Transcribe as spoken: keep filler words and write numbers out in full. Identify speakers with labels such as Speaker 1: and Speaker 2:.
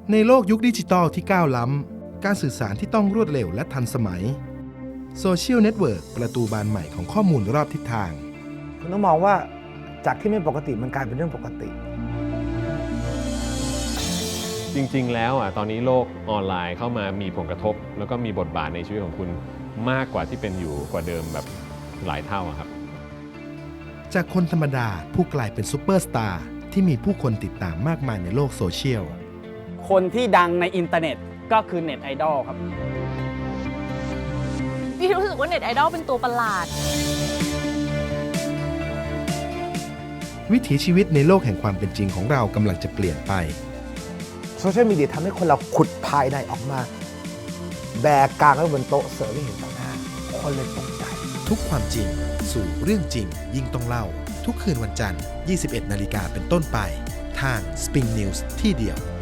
Speaker 1: ในโลกยุคดิจิตอลที่ก้าวล้ำการสื่อสารที่ต้องรวดเร็วและทันสมัยโซเชียลเน็ตเวิร์กประตูบานใหม่ของข้อมูลรอบทิศทาง
Speaker 2: คุณต้องมองว่าจากที่ไม่ปกติมันกลายเป็นเรื่องปกติ
Speaker 3: จริงๆแล้วอ่ะตอนนี้โลกออนไลน์เข้ามามีผลกระทบ แล้วก็มีบทบาทในชีวิตของคุณมากกว่าที่เป็นอยู่กว่าเดิมแบบหลายเท่าอะครับ
Speaker 1: จากคนธรรมดาผู้กลายเป็นซูเปอร์สตาร์ที่มีผู้คนติดตามมากมายในโลกโซเชียล
Speaker 4: คนที่ดังในอินเทอร์เน็ตก็คือเน็ตไอดอลครับ
Speaker 5: พี่รู้สึกว่าเน็ตไอดอลเป็นตัวประหลาด
Speaker 1: วิถีชีวิตในโลกแห่งความเป็นจริงของเรากำลังจะเปลี่ยนไป
Speaker 2: โซเชียลมีเดียทำให้คนเราขุดภายในออกมาแบกกลางไว้บนโต๊ะเสิร์ฟให้เห็นต่างหน้าคนเลยตกใจ
Speaker 1: ทุกความจริงสู่เรื่องจริงยิ่งต้องเล่าทุกคืนวันจันทร์ ยี่สิบเอ็ดนาฬิกาเป็นต้นไปทาง Spring News ที่เดียว